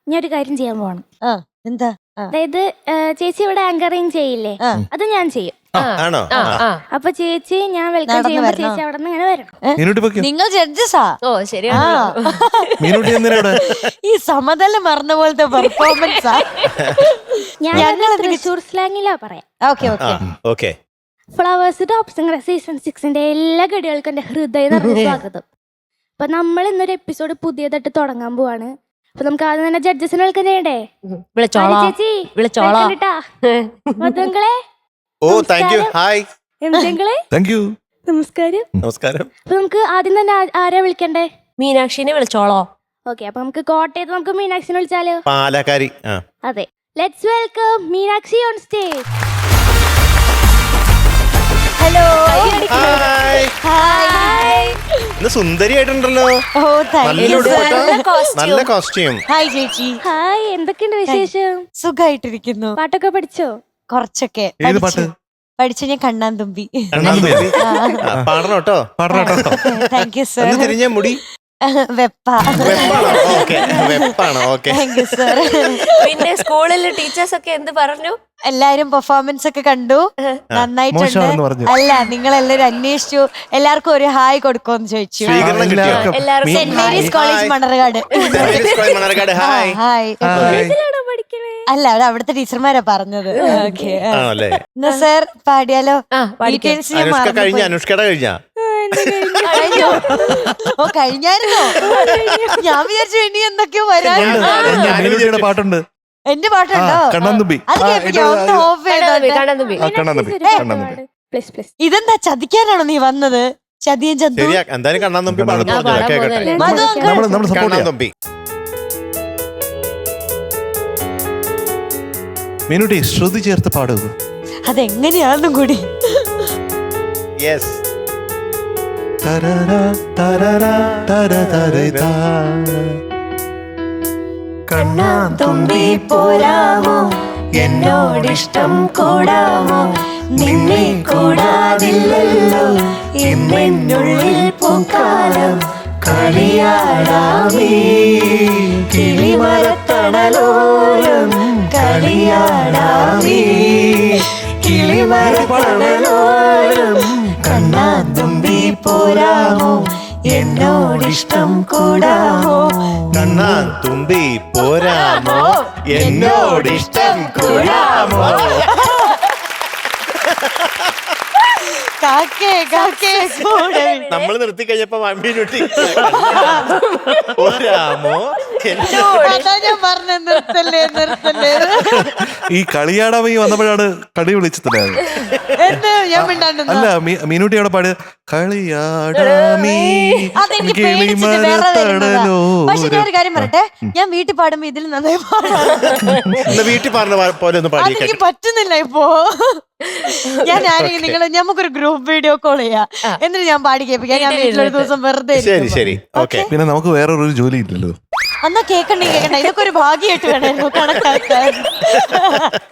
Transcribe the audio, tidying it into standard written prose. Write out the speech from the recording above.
ഞാൻ ഒരു കാര്യം ചെയ്യാൻ പോവാണ്. എന്താ? അതായത് ചേച്ചി ഇവിടെ ആങ്കറിങ് ചെയ്യില്ലേ, അത് ഞാൻ ചെയ്യും. ആണോ? അപ്പൊ ചേച്ചി ഞാൻ വെൽക്കം ചെയ്യുമ്പോ ചേച്ചി അവിടെ നിന്ന് ഇങ്ങനെ വരണം. നിങ്ങൾ ജഡ്ജസാ? ഓ ശരിയാണ്. ഈ സമതല മറന്ന പോലത്തെ പെർഫോമൻസാ. ഞാൻ തൃശ്ശൂർ സ്ലാങ്ങിലാ പറയാം. Okay. Flowers top singer season 6 എല്ലാ ഗഡികൾക്കും എന്റെ ഹൃദയം നിറഞ്ഞ സ്വാഗതം. അപ്പൊ നമ്മൾ ഇന്നൊരു എപ്പിസോഡ് പുതിയതായിട്ട് തുടങ്ങാൻ പോവാണ്. അപ്പൊ നമുക്ക് ആദ്യം തന്നെ ജഡ്ജസിനെ വെൽക്കം ചെയ്യണ്ടേ? ചേച്ചി മധുങ്ങളെ. Oh thank you. ഹായ് എംജങ്ങളെ. Thank you. നമസ്കാരം. നമസ്കാരം. അപ്പൊ നമുക്ക് ആദ്യം തന്നെ ആരാ വിളിക്കണ്ടേ? മീനാക്ഷിനെ വിളിച്ചോളോ? ഓക്കെ, അപ്പൊ നമുക്ക് കോട്ടയത്ത് നമുക്ക് മീനാക്ഷിനെ വിളിച്ചാലോ? പാലക്കാരി. അതെ, let's welcome Meenakshi on stage. Hello. ഇന്ന് സുന്ദരിയായിട്ടുണ്ടല്ലോ. നല്ല കോസ്റ്റ്യൂം. ഹായ് ചേച്ചി. ഹായ്, എന്തൊക്കെയുണ്ട് വിശേഷം? സുഖായിട്ടിരിക്കുന്നു. പാട്ടൊക്കെ പഠിച്ചോ? കുറച്ചൊക്കെ പഠിച്ചു. ഞാൻ കണ്ണാൻ തുമ്പി പാടണം കേട്ടോ. Thank you sir. തിരിഞ്ഞ മുടി വെപ്പാണോ? Okay, thank you sir. പിന്നെ സ്കൂളിൽ ടീച്ചേഴ്സ് ഒക്കെ എന്ത് പറഞ്ഞു? എല്ലാരും പെർഫോമൻസ് ഒക്കെ കണ്ടു, നന്നായിട്ടുണ്ട്. അല്ല, നിങ്ങൾ എല്ലാരും അന്വേഷിച്ചു, എല്ലാവർക്കും ഒരു ഹായ് കൊടുക്കുമെന്ന് ചോദിച്ചു. Saint Mary's college Manarcad. Hi. അല്ല, അവിടെ അവിടുത്തെ ടീച്ചർമാരാ പറഞ്ഞത്. ഓക്കെ സർ, പാടിയാലോ? ഓ, കഴിഞ്ഞായിരുന്നോ? ഞാൻ വിചാരിച്ചു ഇനി എന്തൊക്കെയോ വരാൻ. പാട്ടുണ്ട്. എന്റെ പാട്ടുണ്ടോ? ഇതെന്താ, ചതിക്കാനാണോ നീ വന്നത്? ചതിയൻ ചന്തു. മീനുട്ടി ശ്രുതി ചേർത്ത് പാടുക. അതെങ്ങനെയാണെന്നും കൂടി. കണ്ണാൻ തുമ്പി പോരാമോ, എന്നോടിഷ്ടം കൂടാമോ, നിന്നെ കൂടാതില്ലല്ലോ എന്നുള്ളിൽ പൂക്കാലം. കളിയാടാമേ കിളിമരത്തണലോരം, കളിയാടാമേ കിളിമരത്തണലോരം. കണ്ണാൻ തുമ്പി പോരാമോ, എന്നോടിഷ്ടം കൂടാമോ, കണ്ണാൻ തുമ്പി പോരാമോ, എന്നോടിഷ്ടം കൂടാമോ. നമ്മള് നിർത്തി കഴിഞ്ഞപ്പോ മീനുട്ടി പോരാമോ. ഞാൻ പറഞ്ഞ നിർത്തല്ലേ നിർത്തല്ലേ. ഈ കളിയാടാമീ വന്നപ്പോഴാണ് കളി വിളിച്ചത്. അല്ല, മീനുട്ടി അവിടെ പാടിയ കളിയാടാമീ. പക്ഷെ ഞാൻ ഒരു കാര്യം പറയട്ടെ, ഞാൻ വീട്ടിൽ പാടുമ്പോ ഇതിൽ നന്നായി പാടാം. വീട്ടിൽ പാടുന്ന പോലെ ഒന്നും പാടി എനിക്ക് പറ്റുന്നില്ല ഇപ്പോ. ഞാൻ ആരെങ്കിലും നിങ്ങൾ നമുക്കൊരു ഗ്രൂപ്പ് വീഡിയോ കോൾ ചെയ്യാം, എന്നിട്ട് ഞാൻ പാടി കേൾപ്പിക്കാം. ഞാൻ വീട്ടിലൊരു ദിവസം വെറുതെ. പിന്നെ നമുക്ക് വേറൊരു ജോലി ഇല്ലല്ലോ. എന്നാ കേക്കണ്ടേ, ഇതൊക്കെ ഒരു ഭാഗ്യമായിട്ട് വേണമായിരുന്നു കണക്കാക്കാൻ.